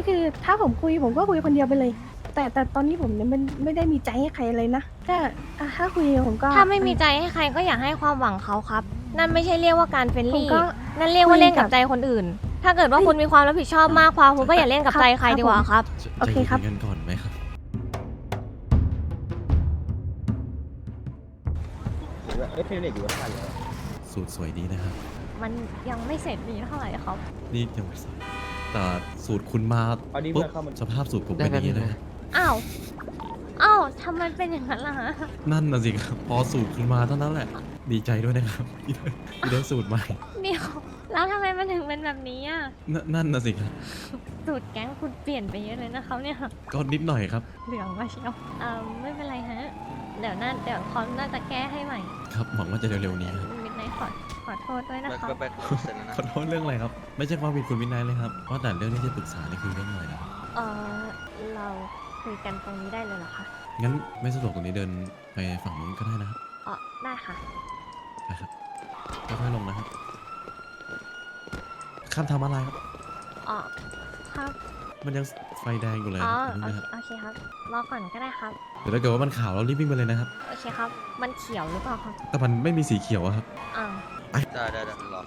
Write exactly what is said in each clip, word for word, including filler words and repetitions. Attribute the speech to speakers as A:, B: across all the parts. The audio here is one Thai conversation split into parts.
A: คือถ้าผมคุยผมก็คุยคนเดียวไปเลย แต่แต่ตอนนี้ผมเนี่ยมันไม่ได้มีใจให้ใครเลยนะก็อ่ะถ้าคุยผมก็
B: ถ้าไม่มีใจให้ใครก็อย่าให้ความหวังเขาครับ นั่นไม่ใช่เรียกว่าการเฟรน
A: ผม
B: ลี่
A: ก็
B: นั่นเรียกว่าเล่นกับ
A: คุยกับ
B: ใจคนอื่น ถ้าเกิดว่าคุณมีความรับผิดชอบมากพอคุณก็อย่าเล่นกับใจใครดีกว่าครับ
A: โอเคครับ
C: ใจเย็นๆกันก่อนไหมครับ
D: เอ้ยเพลงเด็กอยู่ว่าทันเหรอ
C: สูตรสวยดีนะครับ
B: มันยังไม่เสร็จดีเท่าไหร่ครับ
C: นี่ยังไม่ทราบแต่สูตรคุณมา
D: เอานี่
C: ปุ๊บ
D: เพื่อนเข้ามา
C: สภาพสูตรผมเป็นอย่างนี้เลยฮะ
B: อ้าว อ้าวทำไมเป็นอย่างนั้นล่ะฮะ
C: นั่นน่ะสิครับ พอสูตรคุณมาเท่านั้นแหละ ดีใจด้วยนะครับที่ได้ที่ได้สูตรใหม่
B: เดี๋ยว แล้วทำไมมันถึงเป็นแบบนี้อ่ะ
C: นนั่นน่ะสิครับ
B: สูตรแก๊งคุณเปลี่ยนไปเยอะเลยนะครับเนี่ย
C: ก็นิดหน่อยครับ
B: เหลืองมาเชียวเอ่อไม่เป็นไรฮะ เดี๋ยวน่าเดี๋ยวเขาน่าจะแก้ให้ใหม่
C: ครับหวังว่าจะเร็วๆนี้ครับ
B: มิดไนขอขอโทษด้วยนะคะ
E: ก็ไปเสร็จแล้วนะ
C: ขอโทษเรื่องอะไรครับ ไม่ใช่ความผิดคุณวินัยเลยครับเพราะแต่เรื่องที่จะปรึกษานี่คือเรื่องอะไรนะครับ
B: เออเราคุยกันตรงนี้ได้เลยเหรอคะ
C: งั้นไม่สะดวกตรงนี้เดินไปฝั่งนู้นก็ได้นะครับ
B: อ๋อได้ค่ะ
C: นะครับค่อยๆลงนะครับ ข้ามทางม้าลายครับ
B: อ๋อครับ
C: มันยังไฟแดงอยู่เลย
B: อ๋อ
C: อย่า
B: โอ
C: เพิ่ง
B: เค
C: นะครับ
B: โอเคครับ รอก่อนก็ได้ครับ
C: เดี๋ยวถ้าเกิดว่ามันขาวเรารีบวิ่งไปเลยนะครับ
B: โอเคครับ มันเขียวหรือเปล่าครับ
C: แต่มันไม่มีสีเขียวอะครับ
B: อ้าว
E: ได้ได้ได้รอ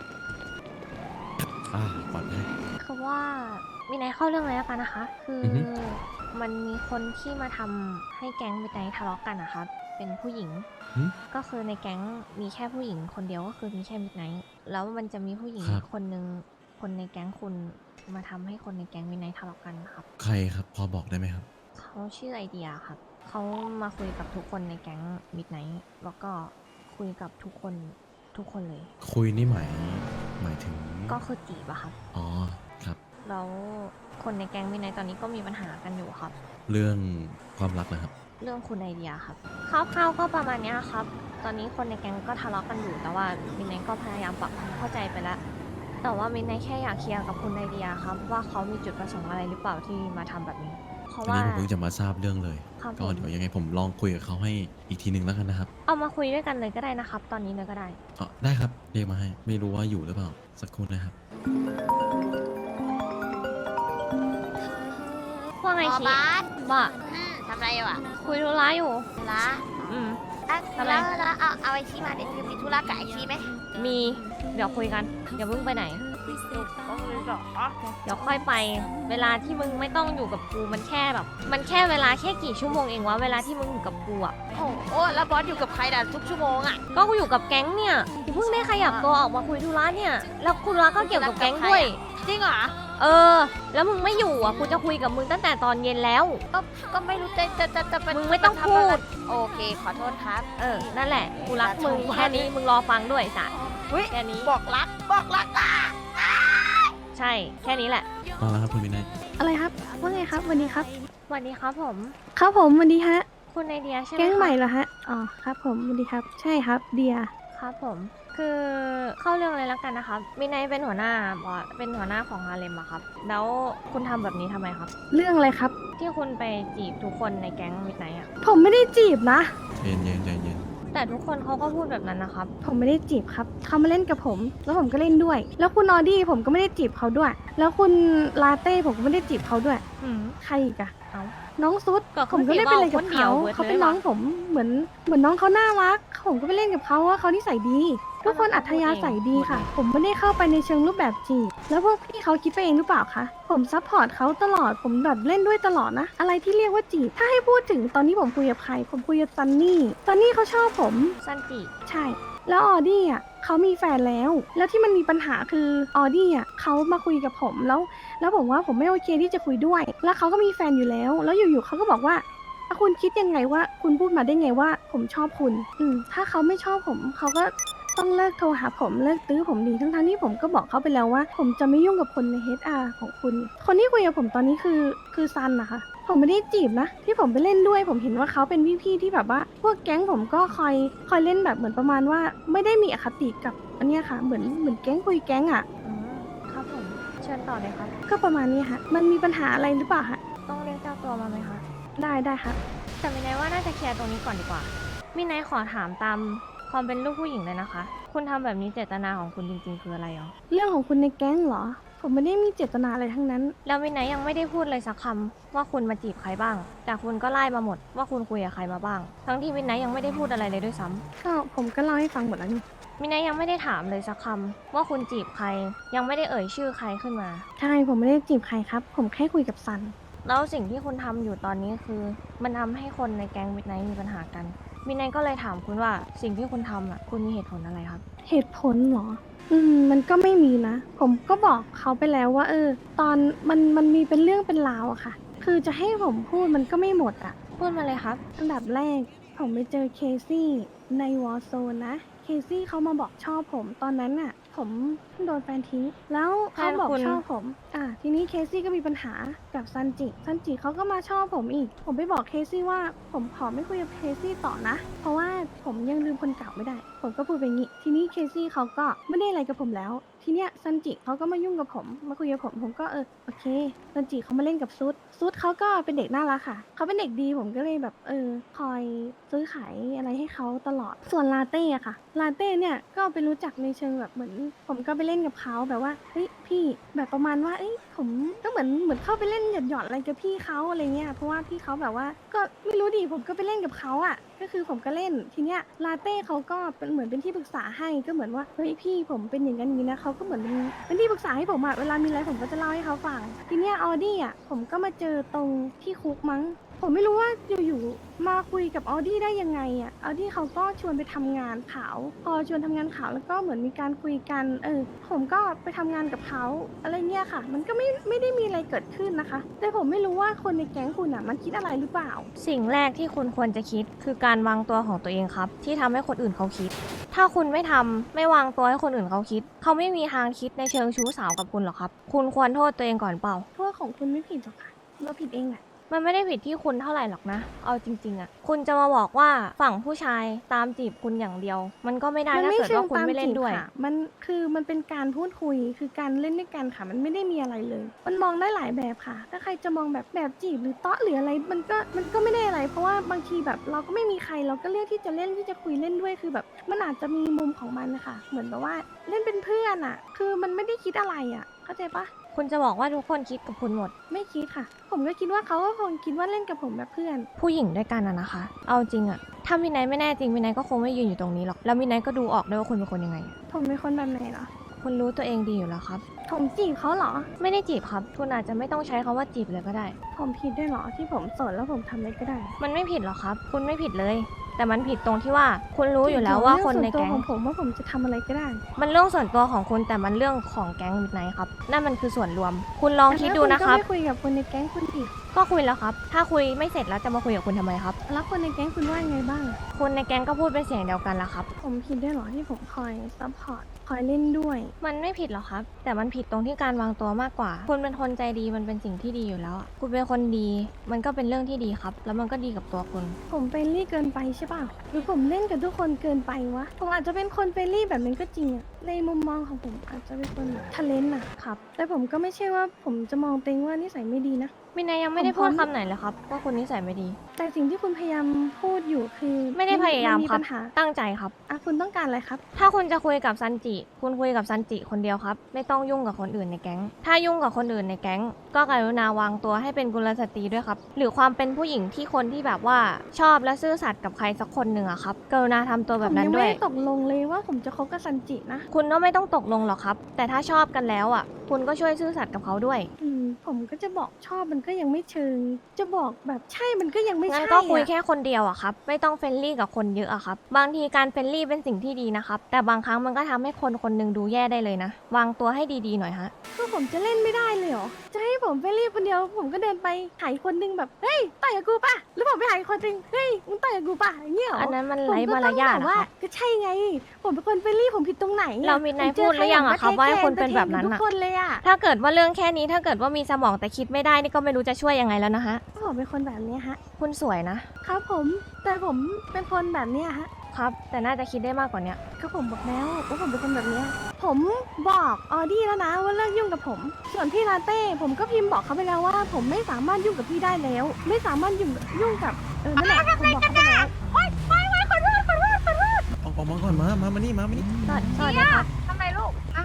C: อ่าปลอดภัย
B: คือว่ามีนายเข้าเรื่องเลยแล้วกันนะคะ คืออ
C: อฮึ
B: มันมีคนที่มาทำให้แก๊งมิดไนท์ทะเลาะกันนะครับ เป็นผู้หญิง
C: หึ
B: ก็คือในแก๊งมีแค่ผู้หญิงคนเดียวก็คือมีแค่มิดไนท์แล้วมันจะมีผู้หญิง
C: ครับ
B: คนหนึ่งคนในแก๊งคุณมาทำให้คนในแก๊งมิดไนท์ทะเลาะกันครับ
C: ใครครับ พอบอกได้ไหมครับ
B: เขาชื่อไอเดียครับ เขามาคุยกับทุกคนในแก๊งมิดไนท์แล้วก็คุยกับทุกคนทุกคนเลย
C: คุยนี่หมายหมายถึง
B: ก็คือจีบอะครับ
C: อ๋อครับ
B: แล้วคนในแก๊งมิดไนท์ตอนนี้ก็มีปัญหากันอยู่ครับ
C: เรื่องความรักนะครับ
B: เรื่องคุณไอเดียครับคร่าวๆก็ประมาณเนี้ยครับ ตอนนี้คนในแก๊งก็ทะเลาะกันอยู่แต่ว่ามินไนท์ก็พยายามปรับความเข้าใจไปแล้ว แต่ว่ามินไนท์แค่อยากเคลียร์กับคุณไอเดียครับว่าเขามีจุดประสงค์อะไรหรือเปล่าที่มาทำแบบนี้ เพราะ
C: อัน
B: ว่า
C: นี้ผมเพิ่งจะมาทราบเรื่องเลย
B: ครับ
C: ก็
B: ผม
C: เดี๋ยวยังไงผมลองคุยกับเขาให้อีกทีหนึ่งแล้วกันนะครับ
B: เอามาคุยด้วยกันเลยก็ได้นะครับ ตอนนี้เลยก็ได้
C: อ๋อได้ครับ เรียกมาให้ ไม่รู้ว่าอยู่หรือเปล่า สักครู่นะครับ
B: ว่าไง
F: อ๋อ
B: ชี
F: บาส
B: บ่า
F: อืมทำอะไรอยู่อ่ะ
B: คุยธุระอยู่
F: ธุระ
B: อืม
F: อ่ะ
B: ทำไม
F: แล้วแล้วเอาเอาไอชีมาเดี๋ยวคือมีธุระกับไอชีไหม
B: มีเดี๋ยวคุยกันอย่าเพิ่งไปไหน
F: ก็คือหรอ
B: เดี๋ยวค่อยไป เวลาที่มึงไม่ต้องอยู่กับกูมันแค่แบบ มันแค่เวลาแค่กี่ชั่วโมงเองวะเวลาที่มึงอยู่กับกูอะ
F: โอ้โหแล้วบอสอยู่กับใครด่ะทุกชั่วโมงอ่ะ
B: ก็กูอยู่กับแก๊งเนี่ยกูเพิ่งได้ขยับตัวออกมาคุยธุระเนี่ย แล้วธุระก็เกี่ยวกับแก๊งด้วย
F: จริงเหรอ
B: เออ แล้วมึงไม่อยู่อ่ะกูจะคุยกับมึงตั้งแต่ตอนเย็นแล้ว
F: ก็ก็ไม่รู้จะจะจะจะเป็น
B: มึงไม่ต้อง
F: ทำะร
B: พูด
F: โอเคขอโทษครับ
B: เออ นั่นแหละ กูรักมึงแค่นี้มึงรอฟังด้วยสัตว์
F: อุ๊ย
B: แค่นี้
F: บอกรักบอกรักอ่ะ
B: ใช่ แค่นี้แหละ
C: มาแล้วครับคุณวินัย
A: อะไรครับว่าไงครับวันนี้ครับ
B: สวัสดีครับผม
A: ครับผมวันนี้ฮะ
B: คุณไอเดียใช่ไหม
A: แก๊ง
B: คะ
A: ใหม่เหรอฮะอ๋อครับผมวันนี้ครับ ใช่ครับเดีย
B: ครับผม คือเข้าเรื่องเลยแล้วกันนะครับมินายเป็นหัวหน้าบอสเป็นหัวหน้าของฮาเลมอะครับ แล้วคุณทำแบบนี้ทำไมครับ
A: เรื่องอะไรครับ
B: ที่คุณไปจีบทุกคนในแก๊งมิดไนท์อะ
A: ผมไม่ได้จีบนะ
C: เย็นเย็นใจเย็น
B: แต่ทุกคนเขาก็พูดแบบนั้นนะครับ
A: ผมไม่ได้จีบครับเขามาเล่นกับผม แล้วผมก็เล่นด้วย แล้วคุณออดี้ผมก็ไม่ได้จีบเขาด้วย แล้วคุณลาเต้ผมก็ไม่ได้จีบเขาด้วย
B: อืม
A: ใครอีกอะ
B: เอา
A: น้องซุด
B: ก็
A: ผมก็เล่นไปเลยกับ
B: คนเดีย
A: เขา
B: วเบิด
A: เขาเป็น
B: เลย
A: น้อง
B: ว่ะ
A: ผมเหมือนเหมือนน้องเขาน่ารัก ผมก็ไปเล่นกับเขาว่าเขานิสัยดี ทุกคนอัธยาศัยดีค่ะ ผมไม่ได้เข้าไปในเชิงรูปแบบจีบแล้วพวกพี่เขาคิดไปเองหรือเปล่าคะผมซัพพอร์ตเขาตลอดผมแบบเล่นด้วยตลอดนะ อะไรที่เรียกว่าจีบถ้าให้พูดถึงตอนนี้ผมคุยกับใคร ผมคุยกับซันนี่ซันนี่เขาชอบผม
B: ซันจิ
A: ใช่ แล้วออดี้อ่ะเขามีแฟนแล้ว แล้วที่มันมีปัญหาคือออดี้อ่ะเขามาคุยกับผมแล้ว แล้วผมว่าผมไม่โอเคที่จะคุยด้วย แล้วเขาก็มีแฟนอยู่แล้ว แล้วอยู่ๆเขาก็บอกว่าอ่ะคุณคิดยังไงว่า คุณพูดมาได้ไงว่า ผมชอบคุณ อืม ถ้าเขาไม่ชอบผมเขาก็ต้องเลิกโทรหาผมเลิกตื้อผมดีทั้งๆที่ผมก็บอกเขาไปแล้วว่า ผมจะไม่ยุ่งกับคนใน เอช อาร์ ของคุณ คนที่คุยกับผมตอนนี้คือคือซันนะคะ ผมไม่ได้จีบนะ ที่ผมไปเล่นด้วย ผมเห็นว่าเขาเป็นพี่ๆที่แบบว่า พวกแก๊งผมก็คอยคอยเล่นแบบเหมือนประมาณว่า ไม่ได้มีอคติกับอันเนี้ยค่ะ เหมือนเหมือนแก๊งคุยแก๊งอ่ะ
B: อืมครับผม เชิญต่อเลยครับ
A: ก็ประมาณนี้ค่ะ มันมีปัญหาอะไรหรือเปล่าคะ
B: ต้องเรียกเจ้าตัวมาไหมคะ
A: ได้ได้ครับ
B: แต่มินายว่าน่าจะเคลียร์ตรงนี้ก่อนดีกว่า มินายขอถามตามความเป็นลูกผู้หญิงเลยนะคะ คุณทำแบบนี้เจตนาของคุณจริงๆคืออะไรอ๋อ
A: เรื่องของคุณในแก๊งเหรอ ผผมไม่ได้มีเจตนาอะไรทั้งนั้น
B: แล้วมินไนท์ยังไม่ได้พูดเลยสักคำว่าคุณมาจีบใครบ้าง แต่คุณก็ไล่มาหมดว่าคุณคุยกับใครมาบ้าง ทั้งที่มินไนท์ยังไม่ได้พูดอะไรเลยด้วยซ้ำ
A: ก็ผมก็เล่าให้ฟังหมดแล้วนี่
B: มินไนท์ยังไม่ได้ถามเลยสักคำว่าคุณจีบใคร ยังไม่ได้เอ่ยชื่อใครขึ้นมา
A: ใช่ผมไม่ได้จีบใครครับ ผมแค่คุยกับซัน
B: แล้วสิ่งที่คุณทำอยู่ตอนนี้คือ มันทำให้คนในแก๊งมิดไนท์มีปัญหากันมิดไนท์ก็เลยถามคุณว่าสิ่งที่คุณทำอ่ะคุณมีเหตุผลอะไรครับ
A: เหตุผลเหรอ อืม มันก็ไม่มีนะ ผมก็บอกเขาไปแล้วว่า เออ ตอนมันมันมีเป็นเรื่องเป็นราวอะค่ะ คือจะให้ผมพูดมันก็ไม่หมดอะ
B: พูดมาเลยครับ
A: อันดับแรก ผมไปเจอเคซี่ในวอร์โซนนะ เคซี่เขามาบอกชอบผมตอนนั้นน่ะ ผมเพิ่งโดนแฟนทิ้ง แล้วเขาบอก
B: แฟนคุณ
A: ชอบผม อ่ะทีนี้เคซี่ก็มีปัญหากับซันจิ ซันจิเขาก็มาชอบผมอีก ผมไปบอกเคซี่ว่าผมขอไม่คุยกับเคซี่ต่อนะ เพราะว่าผมยังลืมคนเก่าไม่ได้ ผมก็พูดไปงี้ ทีนี้เคซี่เขาก็ไม่ได้อะไรกับผมแล้ว ทีเนี้ยซันจิเขาก็มายุ่งกับผม มาคุยกับผม ผมก็เออโอเคซันจิเขามาเล่นกับซุดซุดเขาก็เป็นเด็กน่ารักค่ะ เขาเป็นเด็กดีผมก็เลยแบบเออคอยซื้อขายอะไรให้เขาตลอด ส่วนลาเต้อะค่ะ ลาเต้เนี่ยก็ไปรู้จักในเชิงแบบเหมือน ผมก็ไปเล่นกับเขาแบบว่าเฮ้ยพี่แบบประมาณว่าเอ้ยผมก็เหมือนเหมือนเข้าไปเล่นหยอดหยอดๆอะไรกับพี่เขาอะไรเงี้ย เพราะว่าพี่เขาแบบว่าก็ไม่รู้ดิผมก็ไปเล่นกับเขาอะก็คือผมก็เล่นทีเนี้ยลาเต้เขาก็เป็นเหมือนเป็นที่ปรึกษาให้ก็เหมือนว่าเฮ้ยพี่ผมเป็นอย่างนั้นอย่างนี้นะเขาก็เหมือนเป็นเป็นที่ปรึกษาให้ผมอะเวลามีอะไรผมก็จะเล่าให้เขาฟังทีเนี้ยออดี้อะผมก็มาเจอตรงที่คุกมั้ง ผมไม่รู้ว่าอยู่ๆมาคุยกับออดี้ได้ยังไงอ่ะออดี้เขาก็ชวนไปทำงานขาวพอชวนทำงานขาวแล้วก็เหมือนมีการคุยกันเออผมก็ไปทำงานกับเขาอะไรเงี้ยค่ะ มันก็ไม่ไม่ได้มีอะไรเกิดขึ้นนะคะ แต่ผมไม่รู้ว่าคนในแก๊งคุณอ่ะมันคิดอะไรหรือเปล่า
B: สิ่งแรกที่คุณควรจะคิดคือการวางตัวของตัวเองครับ ที่ทำให้คนอื่นเขาคิด ถ้าคุณไม่ทำไม่วางตัวให้คนอื่นเขาคิด เขาไม่มีทางคิดในเชิงชู้สาวกับคุณหรอกครับ คุณควรโทษตัวเองก่อนเปล่า
A: เพราะว่าของคุณไม่ผิดหรอกค่ะเราผิดเองแหละ
B: มันไม่ได้ผิดที่คุณเท่าไหร่หรอกนะ เอาจริงๆอะคุณจะมาบอกว่าฝั่งผู้ชายตามจีบคุณอย่างเดียว มันก็ไม่ได้ถ้าเกิดว่าคุณไม่เล่นด้วย
A: ค่ะมันคือมันเป็นการพูดคุยคือการเล่นด้วยกันค่ะ มันไม่ได้มีอะไรเลย มันมองได้หลายแบบค่ะ ถ้าใครจะมองแบบแบบจีบหรือเตาะหรืออะไร มันก็มันก็ไม่ได้อะไร เพราะว่าบางทีแบบเราก็ไม่มีใครเราก็เลือกที่จะเล่นที่จะคุยเล่นด้วยคือแบบ มันอาจจะมีมุมของมันนะคะเหมือนแบบว่าเล่นเป็นเพื่อนอะคือมันไม่ได้คิดอะไรอะเข้าใจปะ
B: คุณจะบอกว่าทุกคนคิดกับคุณหมด
A: ไม่คิดค่ะ ผมก็คิดว่าเขาก็คงคิดว่าเล่นกับผมแบบเพื่อน
B: ผู้หญิงด้วยกันอะนะคะ เอาจริงอะถ้ามินไนท์ไม่แน่จริงมินไนท์ก็คงไม่ยืนอยู่ตรงนี้หรอก แล้วมินไนท์ก็ดูออกด้วยว่าคุณเป็นคนยังไง
A: ผมเป็นคนแบบไหนเหรอ
B: คุณรู้ตัวเองดีอยู่แล้วครับ
A: ผมจีบเขาเหรอ
B: ไม่ได้จีบครับ คุณอาจจะไม่ต้องใช้คำว่าจีบเลยก็ได้
A: ผมผิดด้วยเหรอที่ผมโสดแล้วผมทำอะไรก็ได้
B: มันไม่ผิดหรอกครับ คุณไม่ผิดเลย แต่มันผิดตรงที่ว่า คุณรู้อยู่แล้วว่าคนในแก๊ง
A: เรื่องส่วนตัวของผมว่าผมจะทำอะไรก็ได้
B: มันเรื่องส่วนตัวของคุณแต่มันเรื่องของแก๊งมิดไนท์ครับ นั่นมันคือส่วนรวม คุณลองคิดดูนะครับ
A: แต่ถ้าคุณก็ไม่คุยกับคนในแก๊งคุณอีก
B: ก็คุยแล้วครับ ถ้าคุยไม่เสร็จแล้วจะมาคุยกับคุณทำไมครับ
A: แล้วคนในแก๊งคุณว่ายังไงบ้าง
B: คนในแก๊งก็พูดเป็นเสียงเดียวกันละครับ
A: ผมผิดด้วยเหรอที่ผมคอยซัพพอร์ตคอยเล่นด้วย
B: มันไม่ผิดหรอกครับ แต่มันผิดตรงที่การวางตัวมากกว่า คุณเป็นคนใจดีมันเป็นสิ่งที่ดีอยู่แล้วอะคุณเป็นคนดี มันก็เป็นเรื่องที่ดีครับ แล้วมันก็ดีกับตัวคุณ
A: ผมเฟรนลี่เกินไปใช่ป่ะหรือผมเล่นกับทุกคนเกินไปวะ ผมอาจจะเป็นคนเฟรนลี่แบบนั้นก็จริงอะในมุมมองของผมอาจจะเป็นคนทะเลนอะ
B: ครับ
A: แต่ผมก็ไม่ใช่ว่าผมจะมองตัวเองว่านิสัยไม่ดีนะ
B: มินายยังไม่ได้พูดคำไหนเลยครับว่าคุณนิสัยไม่ดี
A: แต่สิ่งที่คุณพยายามพูดอยู่คือ
B: ไม่ได้พยายาม
A: น
B: ครับ
A: ปัญหา
B: ตั้งใจครับ
A: อ่ะคุณต้องการอะไรครับ
B: ถ้าคุณจะคุยกับซันจิ คุณคุยกับซันจิคนเดียวครับ ไม่ต้องยุ่งกับคนอื่นในแก๊ง ถ้ายุ่งกับคนอื่นในแก๊ง ก็กรุณาวางตัวให้เป็นกุลสตรีด้วยครับ หรือความเป็นผู้หญิงที่คนที่แบบว่าชอบและซื่อสัตย์กับใครสักคนหนึ่งอะครับ กรุณาทำตัวแบบนั้น
A: ผมยัง
B: ด้
A: ไม่
B: วย
A: ได้ตกลงเลยว่าผมจะคบกับซันจินะ
B: คุณก็ไม่ต้องตกลงหรอกครับ แต่ถ้าชอบกันแล้วอะคุณก็ช่วยซื่อสัตย์กับเขาด้วย
A: อืมผมก็จะบอกชอบมันก็ยังไม่เชิง จะบอกแบบใช่มันก็ยังไม่
B: งั้
A: ใช่
B: นก็คุย
A: อะ
B: แค่คนเดียวอะครับ ไม่ต้องเฟรนลี่กับคนเยอะอะครับ บางทีการเฟรนลี่เป็นสิ่งที่ดีนะครับ แต่บางครั้งมันก็ทำให้คนคนหนึงดูแย่ได้เลยนะ วางตัวให้ดีๆหน่อยฮะ
A: คือผมจะเล่นไม่ได้เลยเหรอ จะให้ผมไปรีบคนเดียว ผมก็เดินไปหายคนนึงแบบ เฮ้ยต่อยกับกูป่ะ แล้วผมไปหายคนนึง เฮ้ยมึงต่อยกับกูป่ะอย่างเงี้ยเหรอ
B: อันนั้นมัน
A: ผม
B: ไร้
A: ก็
B: มา
A: ต้
B: ร
A: อง
B: ยาท
A: แบบ
B: นะ
A: ว่า
B: ครับ
A: ก็ใช่ไง ผมเป็นคนเฟรนลี่ผมผิดตรงไหนอะ
B: เรามีนาย
A: ผเจ
B: พูดหรือยังอะครับ
A: ใ
B: ว่าให้คน
A: แท
B: เป็นแบบนั้น
A: ทุก
B: อะ
A: คนเลยอะ
B: ถ้าเกิดว่าเรื่องแค่นี้ถ้าเกิดว่ามีสมองแต่คิดไม่ได้นี่ก็ไม่รู้จะช่วยยังไงแล้วนะฮะ
A: ผมเป็นคนแบบเนี้ยฮะ
B: คุณสวยนะ
A: ครับผม แต่ผมเป็นคนแบบเนี้ยฮะ
B: ครับ แต่น่าจะคิดได้มากกว่าเนี้ย
A: ก็ผมบอกแล้วว่าผมเป็นคนแบบเนี้ยผมบอกออดี้แล้วนะว่าเลิกยุ่งกับผม ส่วนพี่ลาเต้ผมก็พิมพ์บอกเขาไปแล้วว่า ผมไม่สามารถยุ่งกับพี่ได้แล้ว ไม่สามารถยุ่งยุ่งกับเออนั่นแหละผมบอกเขาไปแล้วโอ๊ยไม่ไม่ขอโทษขอโทษขอโทษ
C: ออกออกมาก่อนมา มามานี่ มามานี่
B: สวัสสวัสดีครับ
F: ทำไมลูก
A: ม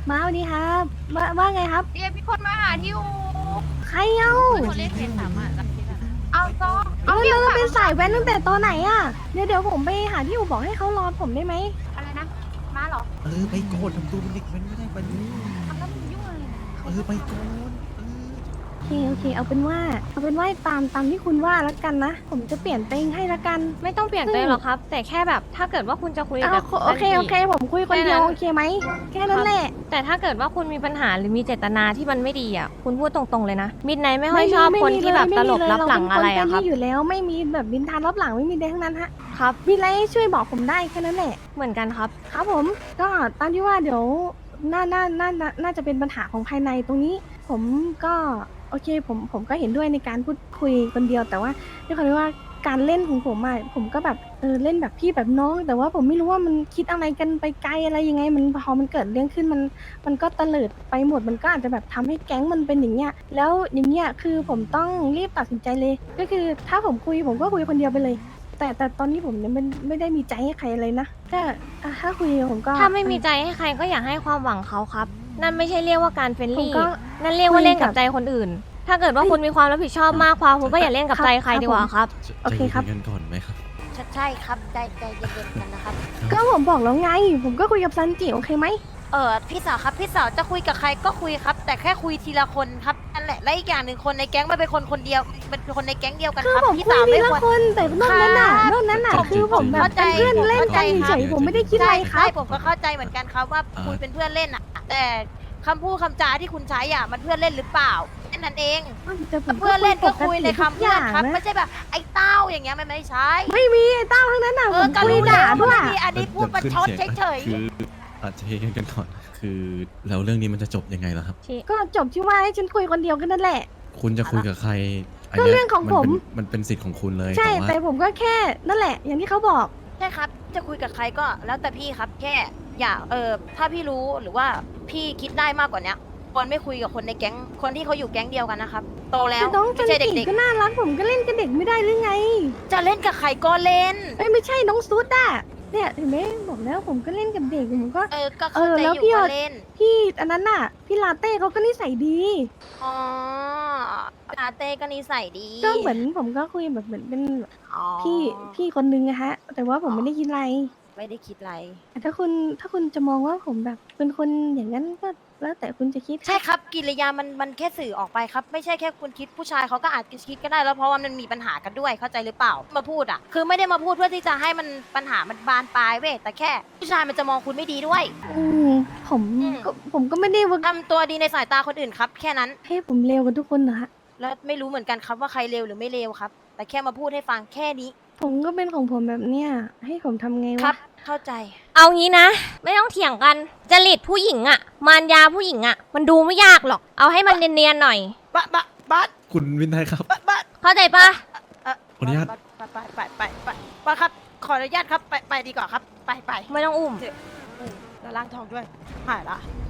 A: มาสวัสดีครับว่าว่าไงครับ
F: เดี๋ยวพี่คนมาหาที่อู
A: ใครเอ้า
F: คนเล่นเพจสามารถ
A: เอาก็เอาแล้วเราเป็นสายแว้นตั้งแต่ตอนไหนอ่ะเดี๋ยวเดี๋ยวผมไปหาที่อู่บอกให้เขารอผมได้ไหม
F: อะไรนะ มาเหรอ
C: เออไปโกนทำตัวเป็นเด็กมันไม่ได้ไปดู
F: ทำแล้วมึงยุ่งอะไรเนี่ย
C: เออไปโกนเออ
A: โอเคโอเคเอาเป็นว่าเอาเป็นว่าตามตามที่คุณว่าแล้วกันนะผมจะเปลี่ยนเตงให้ละกัน
B: ไม่ต้องเปลี่ยนใจหรอกครับ แต่แค่แบบถ้าเกิดว่าคุณจะคุย
A: เอา
B: กับ
A: โอเคโอเคผมคุยคนเดียวโอเคไหมแค่นั้นแหละ
B: แต่ถ้าเกิดว่าคุณมีปัญหาหรือมีเจตนาที่มันไม่ดีอ่ะคุณพูดตรงๆเลยนะมิดไนไม่ค่อยชอบคนที่แบบตลบรับหลังอะไรอะครับ
A: เาเป็นนเฟนลี่อยู่แล้วไม่มีแบบบินทานรับหลังไม่มีใดทั้งนั้นฮะ
B: ครับ
A: มีอะไรช่วยบอกผมได้แค่นั้นแหละ
B: เหมือนกันครับ
A: ครับผมก็ตามที่ว่าเดี๋ยวน่าน่าน่าน่าน่าจะเป็นปัญหาของภายในตรงนี้ ผมก็โอเคผมผมก็เห็นด้วยในการพูดคุยคนเดียว แต่ว่าด้วยความที่ว่าการเล่นของผมอะผมก็แบบเออเล่นแบบพี่แบบน้อง แต่ว่าผมไม่รู้ว่ามันคิดอะไรกันไปไกลอะไรยังไง มันพอมันเกิดเรื่องขึ้นมันมันก็เตลิดไปหมดมันก็อาจจะแบบทำให้แก๊งมันเป็นอย่างเงี้ยแล้วอย่างเงี้ยคือผมต้องรีบตัดสินใจเลย ก็คือถ้าผมคุยผมก็คุยคนเดียวไปเลย แต่แต่ตอนนี้ผมเนี่ยไม่ไม่ได้มีใจให้ใครเลยนะก็อ่ะถ้าคุยผมก็
B: ถ้าไม่มีใจให้ใครก็อย่าให้ความหวังเขาครับ นั่นไม่ใช่เรียกว่าการเฟรน
A: ผม
B: ลี่
A: ก็
B: นั่นเรียกว่าเล่นกับ
A: คุยกับ
B: ใจคนอื่น ถ้าเกิดว่าคุณมีความรับผิดชอบมากพอคุณก็อย่าเล่นกับใจใครดีกว่าครับ
C: จะ
A: โอเคครับ
C: ใจเย็นๆกันก่อนไหมครับ
F: ใช่ครับใจใจเย็นๆกันนะครับ
A: ก็ผมบอกแล้วไง ผมก็คุยกับซันจิโอเคไหม
F: เออพี่สาวครับพี่สาวจะคุยกับใครก็คุยครับ แต่แค่คุยทีละคนครับนั่นแหละและอีกอย่างหนึ่งคนในแก๊งมันเป็นคนคนเดียวเป็นคนในแก๊งเดียวกัน
A: คือ
F: ครับ
A: ผม
F: พี่
A: คุย
F: สาว
A: ที
F: ไม่
A: ละ
F: ควร
A: คนแต่นอกนั้นน่ะ
F: ครับ
A: นอกนั้นน่ะ
C: ผม
A: คือผมแบบ
F: เข้าใจ
A: เป็นเพื่อนเล่นกัน
F: ผมเข้าใจ
A: เฉยๆผมไม่ได้คิดอะไรครั
F: ใช่
A: บ
F: ผมก็เข้าใจเหมือนกันครับว่า
C: อ่า
F: คุยเป็นเพื่อนเล่นอ่ะ แต่คำพูดคำจาที่คุณใช้อ่ะมันเพื่อนเล่นหรือเปล่าแค่นั้นเอง
A: แต่ผม
F: เพื่อนเล่นก็คุยใน
A: ปกติ
F: คำเพื่อนครับ
A: ทุกย่าง
F: ไม่ใช่แบบไอ้เต้าอย่างเงี้ยมันไม่ใช่
A: ไม่มีไอ้เต้าทั้งนั้นน่ะ
F: เอ
A: ผ
F: อ
A: ม
F: ก็
A: คุย
F: รู้
A: ด่า
F: แล้ว
A: ด้วย
F: ว่าไม่มีอันนี้พูดประชดเฉย
C: คืออาจจะเฮกันก่อน คือแล้วเรื่องนี้มันจะจบยังไงล่ะครับ
A: ก็จบที่ว่าให้ฉันคุยคนเดียวกันนั่นแหละ
C: คุณจะคุยกับใครน
A: ก็
C: นี้ย
A: เรื่องของผม
C: นเป็นมันเป็นสิทธิ์ของคุณเลย
A: ใช่
C: แต่ว่า
A: แต่ผมก็แค่นั่นแหละ อย่างที่เขาบอก
F: ๆใช่ครับ จะคุยกับใครก็แล้วแต่พี่ครับแค่อย่าเออถ้าพี่รู้หรือว่าพี่คิดได้มากกว่าเนี้ยควรไม่คุยกับคนในแก๊งคนที่เขาอยู่แก๊งเดียวกันนะครับโตแล้ว
A: แต่น้องจั
F: ไม่
A: น
F: ใช่
A: จิ
F: เด็ก
A: ก็น่ารักผมก็เล่นกับเด็กไม่ได้หรือไง
F: ๆ จะเล่นกับใครก็เล่น
A: เอ้ยไม่ใช่น้องซุดอะเนี่ยเห็นไหมบอกแล้วผมก็เล่นกับเด็กผมก็
F: เออก็
A: เอ
F: เข้า
A: อ
F: ใจ
A: แล้ว
F: อยู่
A: พี่
F: ว่า
A: เอา
F: เล่น
A: พี่อันนั้นน่ะ พี่ลาเต้เขาก็นิสัยดี
F: อ๋อลาเต้ก็นิสัยดี
A: ก็เหมือนผมก็คุยแบบเหมือนเป็น
F: อ๋อ
A: พี่พี่คนนึงอะฮะ แต่ว่าผมไม่ได้คิดอะไร
F: ไม่ได้คิดอะไร
A: แต่ถ้าคุณถ้าคุณจะมองว่าผมแบบเป็นคนอย่างนั้นก็แล้วแต่คุณจะคิด
F: ใช่ครับกิริยามันมันแค่สื่อออกไปครับ ไม่ใช่แค่คุณคิดผู้ชายเขาก็อาจจะคิดก็ได้แล้วเพราะว่ามันมีปัญหากันด้วยเข้าใจหรือเปล่ามาพูดอ่ะ คือไม่ได้มาพูดเพื่อที่จะให้มันปัญหามันบานปลายเว้ยแต่แค่ผู้ชายมันจะมองคุณไม่ดีด้วย
A: อืมผม
F: อืม
A: ก็ผมก็ไม่ได้ว่า
F: ทำตัวดีในสายตาคนอื่นครับ แค่นั้น
A: ให้ผมเลวกันทุกคนนะฮะ
F: แล้วไม่รู้เหมือนกันครับว่าใครเลวหรือไม่เลวครับ แต่แค่มาพูดให้ฟังแค่นี้
A: ผมก็เป็นของผมแบบเนี้ยให้ผมทำไง
F: ครั
A: วะ
F: บ เข้าใจ
B: เอางี้นะ ไม่ต้องเถียงกันจริตผู้หญิงอะมารยาผู้หญิงอะมันดูไม่ยากหรอก เอาให้มันเนียนๆหน่อย
F: บะบะบัส
C: คุณวินัยครับ
F: บะบัส
B: เข้าใจปะ
F: เอ่อ
C: ขออนุญาต
F: ไปไปไปไปไปไปครับ ขออนุญาตครับ ไปไปดีกว่าครับ ไปไป
B: ไม่ต้องอุ้ม
F: อืมแล้วล้างทองด้วยหายละ